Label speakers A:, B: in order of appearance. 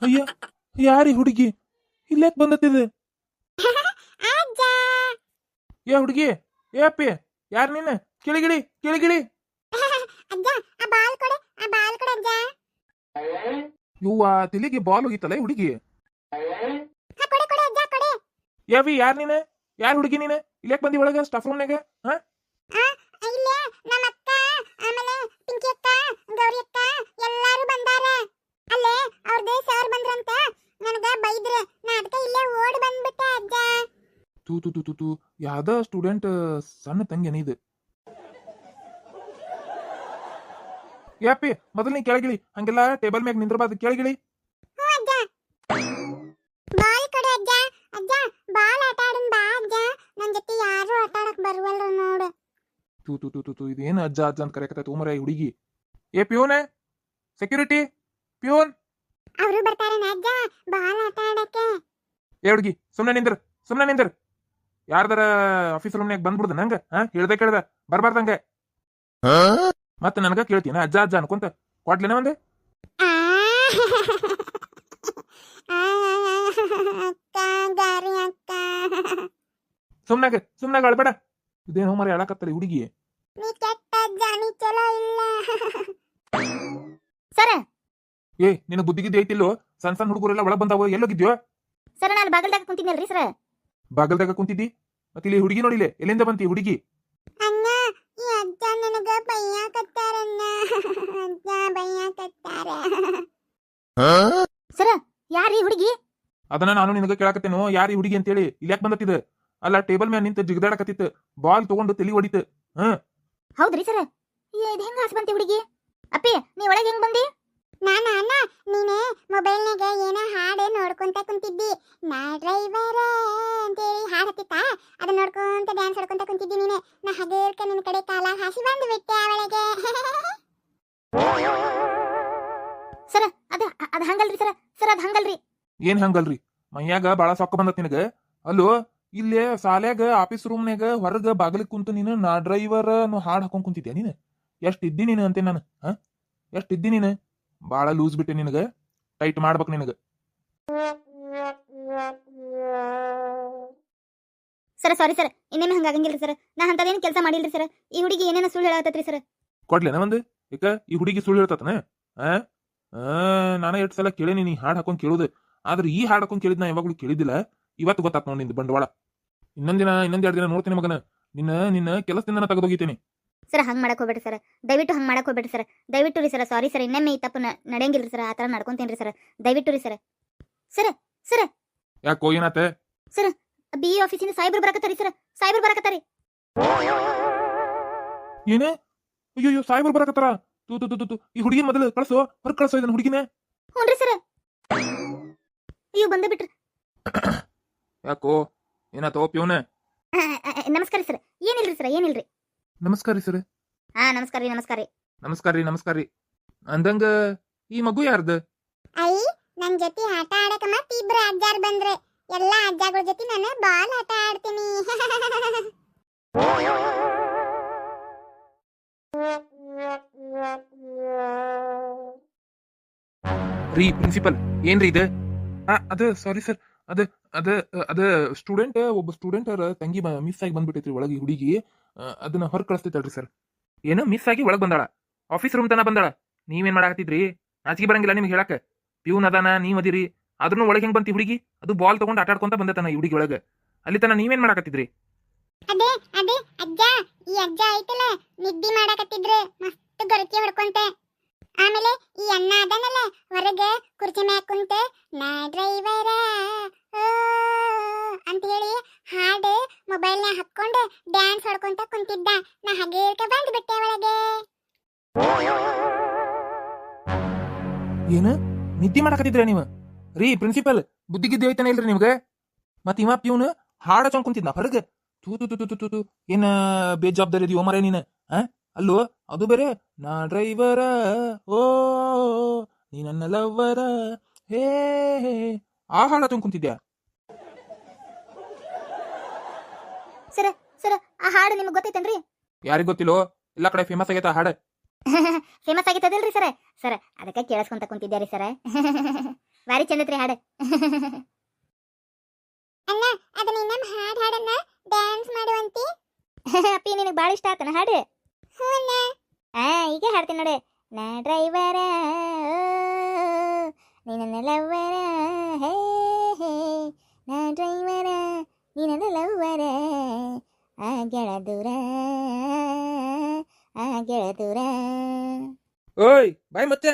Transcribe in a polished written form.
A: ಅಯ್ಯ, ಯಾರಿ ಹುಡುಗಿ ಇಲ್ಲೇಕ್ ಬಂದತ್ತಿದ?
B: ಅಜ್ಜ
A: ಏ ಹುಡುಗಿ, ಏ ಅಪ್ಪಿ, ಯಾರ್ ನೀನ್? ಕೆಳಗಿಳಿ ಕೆಳಗಿಳಿ.
B: ಅಜ್ಜ ಆ ಬಾಲ್ ಕೊಡೆ ಅಜ್ಜ.
A: ಇವ್ವ, ತಲೆಗೆ ಬಾಲ್ ಹೋಗಿತ್ತಲ್ಲ ಈ ಹುಡುಗಿ.
B: ಹಾ ಕೊಡೆ ಅಜ್ಜ ಕೊಡೆ.
A: ಯಾವಿ, ಯಾರ್ ನೀನ್? ಯಾರ್ ಹುಡುಗಿ ನೀನ್? ಇಲ್ಲೇಕ್ ಬಂದಿ ಒಳಗ ಸ್ಟಾಫ್ ರೂಮ್ನಾಗ? ಹಾ,
B: ಇಲ್ಲೇ ನಮ್ಮ ಅಕ್ಕ, ಆಮೇಲೆ ಪಿಂಕಿ ಅಕ್ಕ, ಗೌರಿ ಅಕ್ಕ ಎಲ್ಲಾರು ಬಂದಾರ. ಅಲ್ಲೇ ಅವ್ರದೇ ಸರ್ ಬಂದ್ರಂತ ನನಗ ಬೈದ್ರ. ನಾ ಅದಕ್ಕೆ ಇಲ್ಲೇ ಓಡಿ ಬಂದ್ಬಿಟ್ಟೆ ಅಜ್ಜ.
A: ತೂ ತೂ ತೂ ತೂ ತೂ, ಯಾವ್ದ ಸ್ಟೂಡೆಂಟ್ ಸಣ್ಣ ತಂಗಿ ಇದು. ಏ ಅಪ್ಪಿ, ಮೊದಲು ನೀ ಕೆಳಗಿಳಿ. ಹಂಗೆಲ್ಲ ಟೇಬಲ್ ಮ್ಯಾಗ ನಿಂದ್ರಬಾರ್ದು, ಕೆಳಗಿಳಿ.
B: ಹ್ಞೂ ಅಜ್ಜ. ಬಾಲ್ ಕೊಡೆ ಅಜ್ಜ. ಅಜ್ಜ ಬಾಲ್ ಆಟ ಆಡೋಣ ಬಾ ಅಜ್ಜ. ನನ್ನ ಜೊತೆ ಯಾರು ಆಟ ಆಡಕ್ ಬರುವಲ್ರು ನೋಡು.
A: ತೂ ತೂ ತೂ ತೂ ತೂ, ಇದೇನು ಅಜ್ಜ ಅಜ್ಜ ಅಂತ ಕರೆಯಕತ್ತ ಉಮರ ಈ ಹುಡುಗಿ. ಏ ಪ್ಯೂನ್, ಸೆಕ್ಯೂರಿಟಿ, ಪ್ಯೂನ್.
B: ಅವರು ಬರ್ತಾರೇನ ಅಜ್ಜ ಬಾಲ್ ಆಟ ಆಡಕ್ಕೆ?
A: ಏ ಹುಡುಗಿ, ಸುಮ್ನೆ ನಿಂದ್ರ. ಯಾರ್ದಾರ ಆಫೀಸ್ ರೂಮ್ನಾಗ ಬಂದ್ಬಿಡ್ದ ನಂಗ? ಹಾ, ಹೇಳ್ದೆ ಕೇಳ್ದ ಬರ್ಬಾರ್ದಂಗ. ಮತ್ತೆ ನನಗ ಕೇಳ್ತೀನ ಅಜ್ಜ ಅಜ್ಜ ಅನ್ಕೊಂತ ಕೊಡ್ಲೇನ ಒಂದೆ?
B: ಆ, ಅಕ್ಕ ಗಾರಿ ಅಕ್ಕ.
A: ಸುಮ್ನಾಗ ಅಳ್ಬೇಡ. ಇದೇನೋ ಮರ ಹೇಳಕತ್ತಲ್ಲ ಈ ಹುಡುಗಿ.
B: ನೀ ಕೆಟ್ಟ ಅಜ್ಜ, ನೀ ಚಲೋ ಇಲ್ಲ. ಸರ್
A: ಏ, ನಿನ್ನ ಬುದ್ಧಿಗಿದ್ದು ಐತಿಲ್ಲೋ? ಸಣ್ಣ ಹುಡುಗರೆಲ್ಲ ಒಳಗ್ ಬಂದಾವ, ಎಲ್ಲೋಗಿದ್ಯೋ?
B: ಸರ್ ನಾನು ಬಾಗಲ್ದಾಗ ಕುಂತಿದ್ನಲ್ರಿ ಸರ್.
A: ಬಾಗಲ್ದಾಗ ಕುಂತಿದ್ದಿ? ಮತ್ತೆ ಇಲ್ಲಿ ಹುಡುಗಿ ನೋಡಿಲೆ, ಎಲ್ಲಿಂದ ಬಂತಿ ಹುಡುಗಿ?
B: ಅಣ್ಣ ಈ ಅಜ್ಜ ನನಗ ಬೈಯಾಕತ್ತಾರಣ್ಣ. ಅಜ್ಜ ಬೈಯಾಕತ್ತಾರ. ಸರ್ ಯಾರೀ ಹುಡುಗಿ?
A: ಅದನ್ನ ನಾನು ನಿನಗ ಕೇಳಾಕತ್ತೇನೋ, ಯಾರು ಈ ಹುಡುಗಿ ಅಂತೇಳಿ. ಇಲ್ಯಾಕ್ ಬಂದತ್ತಿದ? ಅಲ್ಲ, ಟೇಬಲ್ ಮ್ಯಾಲ ನಿಂತ ಜಿಗದಾಡಕತ್ತಿತ್ತು, ಬಾಲ್ ತಗೊಂಡು ತಲಿ ಹೊಡಿತು.
B: ಹೌದ್ರಿ ಸರ್. ಇದು ಹೆಂಗ ಹಾಸ್ ಬಂತಿ ಹುಡುಗಿ? ಅಪ್ಪಿ ನೀ ಒಳಗೆ ಹೆಂಗ್ ಬಂದಿ? ನಾನ ಅಣ್ಣ ನೀನೆ ಮೊಬೈಲ್ನಾಗ ಏನೋ ಹಾಡು ನೋಡ್ಕೊಂತ ಕುಂತಿದ್ದಿ. ನಾ ಡ್ರೈವರ್ ಅಂತೇಳಿ ಹಾಡು ಹತ್ತಿತ್ತ, ಅದನ್ನ ನೋಡ್ಕೊಂತ ಡ್ಯಾನ್ಸ್ ಆಡ್ಕೊಂತ ಕುಂತಿದ್ದಿ ನೀನೆ. ನಾ ಹಗೇರ್ಕ ನಿನ್ನ ಕಡೆ ಕಾಲ ಹಾಸಿ ಬಂದು ಬಿಟ್ಟೆ ಅವಳಿಗೆ. ಸರ್ ಅದ ಹಂಗಲ್ರಿ ಸರ್. ಸರ್ ಅದ ಹಂಗಲ್ರಿ.
A: ಏನ್ ಹಂಗಲ್ರಿ? ಮೈಯಾಗ ಬಾಳ ಸೊಕ್ಕ ಬಂದತ್ ನಿನಗ? ಅಲ್ಲೋ, ಇಲ್ಲೇ ಸಾಲ್ಯಾಗ ಆಫೀಸ್ ರೂಮ್ನಾಗ ಹೊರಗ ಬಾಗಿಲಿಗೆ ಕುಂತು ನೀನು ನಾ ಡ್ರೈವರ್ ಅನ್ನೋ ಹಾಡ್ ಹಾಕೊಂಡ್ ಕುಂತಿದ್ಯಾ ನೀನು? ಎಷ್ಟ್ ಇದ್ದಿ ನೀನು ಅಂತೆ ನಾನು? ಎಷ್ಟ್ ಇದ್ದಿ ನೀನು? ಬಾಳ ಲೂಸ್ ಬಿಟ್ಟೆ ನಿನಗ, ಟೈಟ್ ಮಾಡ್ಬೇಕು ನಿನಗ.
B: ಸರ್ ಸಾರಿ ಸರ್, ಇನ್ನೇನು ಹಂಗಾಗಂಗಿಲ್ರಿ ಸರ್. ನಾ ಅಂತದೇನು ಕೆಲಸ ಮಾಡಿಲ್ರಿ ಸರ್. ಈ ಹುಡುಗಿ ಏನೇನೋ ಸುಳ್ಳು ಹೇಳತ್ತತ್ರಿ ಸರ್.
A: ಕೊಡ್ಲೇನ ಒಂದು? ಈಗ ಈ ಹುಡುಗಿ ಸುಳ್ಳು ಹೇಳ್ತತನ? ನಾನ ಎಷ್ಟು ಸಲ ಕೇಳೇನಿ ನೀ ಹಾಡ್ ಹಾಕೊಂಡ್ ಕೇಳುದು, ಆದ್ರೆ ಈ ಹಾಡ್ ಹಾಕೊಂಡ್ ಕೇಳಿದ್ ನಾ ಯಾವಾಗ್ಲೂ ಕೇಳಿದ್ದಿಲ್ಲ. ಇವತ್ತು ಗೊತ್ತಾತ್ ನೋಡಿ ನಿಂದು ಬಂಡವಾಳ. ಇನ್ನೊಂದ್ 2 ದಿನ ನೋಡ್ತೀನಿ ಮಗನ. ನಿನ್ನ ಕೆಲಸದಿಂದ ತೆಗೆದೋಗಿತೀನಿ.
B: ಸರ್ ಹಂಗ್ ಮಾಡಕ್ ಹೋಗ್ಬೇಡ್ರಿ ಸರ್, ದಯವಿಟ್ಟು ಹಂಗ್ ಮಾಡಕ್ ಹೋಗ್ಬೇಡ್ರಿ ಸರ್. ದಯವಿಟ್ಟು ರೀ ಸರ್, ಸಾರಿ ಸರ್. ಇನ್ನೊಮ್ಮೆ ಈ ತಪ್ಪು ನಡೆಯಂಗಿಲ್ರಿ ಸರ್. ಆ ಥರ ನಡ್ಕೊಂತೇನ್ರಿ ಸರ್, ದಯವಿಟ್ಟು ರೀ ಸರ್. ಸರ್ ಸರ್
A: ಯಾಕೋ, ಏನಾತ?
B: ಸರ್ ಬಿ ಆಫೀಸಿಂದ ಸಾಯ್ಬರು ಬರಕತ್ತಾರಿ ಸರ್. ಸಾಯ್ಬರು ಬರಕತ್ತಾರಿ.
A: ಏನೇ? ಅಯ್ಯೋ, ಸಾಯ್ಬರ್ ಬರಕತ್ತಾರ? ತೂ ತೂ ತೂ ತೂ, ಈ ಹುಡುಗಿ ಮೊದಲು ಕಳ್ಸೋ, ಹೊರಗೆ ಕಳ್ಸೋ ಇದನ್ನ ಹುಡುಗಿನ.
B: ಹ್ಞೂನ್ರಿ ಸರ್. ಅಯ್ಯೋ ಬಂದ ಬಿಟ್ರಿ.
A: ಯಾಕೋ, ಏನಾತೋ ಪ್ಯೂನ?
B: ನಮಸ್ಕಾರ ಸರ್. ಏನಿಲ್ರಿ ಸರ್, ಏನಿಲ್ರಿ.
A: ನಮಸ್ಕಾರ ಸರ್.
B: ಹಾ ನಮಸ್ಕಾರ ರೀ.
A: ನಮಸ್ಕಾರ ರೀ. ಅಂದಂಗ ಈ ಮಗು ಯಾರ್ದು?
B: ಐ ನನ್ ಜೊತೆ ಆಟ ಆಡಕ ಮತ್ತೆ ಇಬ್ರು ಅಜ್ಜಾರ್ ಬಂದ್ರೆ, ಎಲ್ಲಾ ಅಜ್ಜಗಳ ಜೊತೆ ನಾನು ಬಾಲ್ ಆಟ ಆಡ್ತೀನಿ.
A: ರೀ ಪ್ರಿನ್ಸಿಪಲ್, ಏನ್ರಿ ಇದು? ಅದ ಸಾರಿ ಸರ್, ಅದ ಅದ ಅದ ಸ್ಟೂಡೆಂಟ್, ಒಬ್ಬ ಸ್ಟೂಡೆಂಟ್ ತಂಗಿ ಮಿಸ್ ಆಗಿ ಬಂದ್ಬಿಟ್ಟೈತ್ರಿ ಒಳಗೆ ಹುಡುಗಿ. ಅದನ್ನ ಹೊರ ಕಳಿಸ್ತೈತಲ್ರಿ ಸರ್. ಏನು ಮಿಸ್ ಆಗಿ ಒಳಗ್ ಬಂದಾಳ? ಆಫೀಸ್ ರೂಮ್ ತನ ಬಂದಾಳ? ನೀವೇನ್ ಮಾಡಾಕತ್ತಿದ್ರಿ? ನಾಚಿಕೆ ಬರಂಗಿಲ್ಲ ನಿಮ್ಗೆ ಹೇಳಕ್? ಪ್ಯೂನ್ ಅದಾನ, ನೀವ್ ಅದಿರಿ, ಅದ್ರೂ ಒಳಗೆ ಹೆಂಗ್ ಬಂತಿ ಹುಡುಗಿ? ಅದು ಬಾಲ್ ತಗೊಂಡು ಆಟ ಆಡ್ಕೊಂತ ಬಂದತನ ಈ ಹುಡುಗಿ ಒಳಗೆ. ಅಲ್ಲಿ ತನ ನೀವೇನ್ ಮಾಡಾಕತ್ತಿದ್ರಿ?
B: ಅದೇ ಅಜ್ಜ, ಈ ಅಜ್ಜ ಐತಲ್ಲ ನಿದ್ದಿ ಮಾಡಾಕತ್ತಿದ್ರು ಮಸ್ತ್ ಗರತಿ ಹೊಡ್ಕೊಂತ. ಆಮೇಲೆ ಈ ಅಣ್ಣ ಅದನಲ್ಲ ಹೊರಗೆ ಕುರ್ಚಿ ಮ್ಯಾಗ ಕುಂತ ನಾ ಡ್ರೈವರ ಅಂತ ಹೇಳಿ ಹಾಡು ಮೊಬೈಲ್ನಾಗ ಹಾಕೊಂಡು ಡ್ಯಾನ್ಸ್ ಹೊಡ್ಕೊಂತ ಕುಂತಿದ್ದ. ನಾ ಹಗೇರ್ಕ ಬಂದು ಬಿಟ್ಟೆ ಒಳಗೆ.
A: ಏನು ನಿದ್ದೆ ಮಾಡಾಕತ್ತಿದ್ರ ನೀವು? ರೀ ಪ್ರಿನ್ಸಿಪಲ್, ಬುದ್ಧಿಗಿದ್ದೆ ಐತಾನೆ ಇಲ್ರಿ ನಿಮ್ಗೆ? ಮತ್ ಇವ ಪ್ಯೂನ್ ಹಾಡ ಚೊಂಡ್ ಕುಂತಿದ್ನ ಹೊರಗೆ. ತೂ ತೂ ತೂ ತೂ ತೂ, ಏನ ಬೇಜವಾಬ್ದಾರಿ ಇದೀವೋ ಮರ ನೀನು? ಅಲ್ಲೋ, ಅದು ಬೇರೆ ನಾ ಡ್ರೈವರ, ಓ ನೀ ನನ್ನ ಲವ್ವರ, ಹೇ ಆ ಹಾಡ ಚೊಂಡ್ ಕುಂತಿದ್ಯಾ?
B: ಸರ ಸರ ಆ ಹಾಡು ನಿಮ್ಗೆ ಗೊತ್ತೈತೇನ್ರಿ?
A: ಯಾರಿಗ್ ಗೊತ್ತಿಲ್ಲೋ, ಎಲ್ಲಾ ಕಡೆ ಫೇಮಸ್ ಆಗೈತ ಹಾಡ.
B: ಫೇಮಸ್ ಆಗಿತ್ತದಲ್ರಿ ಸರ. ಸರ ಅದಕ್ಕೆ ಕೇಳಿಸ್ಕೊಂತ ಕುಂತಿದ್ಯಾರಿ ಸರ. ಬಾರಿ ಚಂದತ್ರಿ ಹಾಡು. ಅಣ್ಣ ಅದನ್ನ ಇನ್ನೊಮ್ಮೆ ಹಾಡು ಹಾಡನ್ನ ಡ್ಯಾನ್ಸ್ ಮಾಡುವಂತಿ. ಅಪ್ಪಿ ನಿನಗೆ ಭಾಳ ಇಷ್ಟ ಆತನ ಹಾಡು? ಹ್ಞೂ ಅಣ್ಣ. ಈಗ ಹಾಡ್ತೀನಿ ನೋಡಿ. ನಾ ಡ್ರೈವರ ನೀನ ಲವ್ವರ, ಹೇ ಹೇ ನಾ ಡ್ರೈವರ ನೀನ ಲವ್ವರ, ಆ ಗೆಳ ದೂರ, ಆ ಗೆಳ ದೂರ.
A: ಓಯ್ ಬಾಯ್ ಮತ್ತೆ.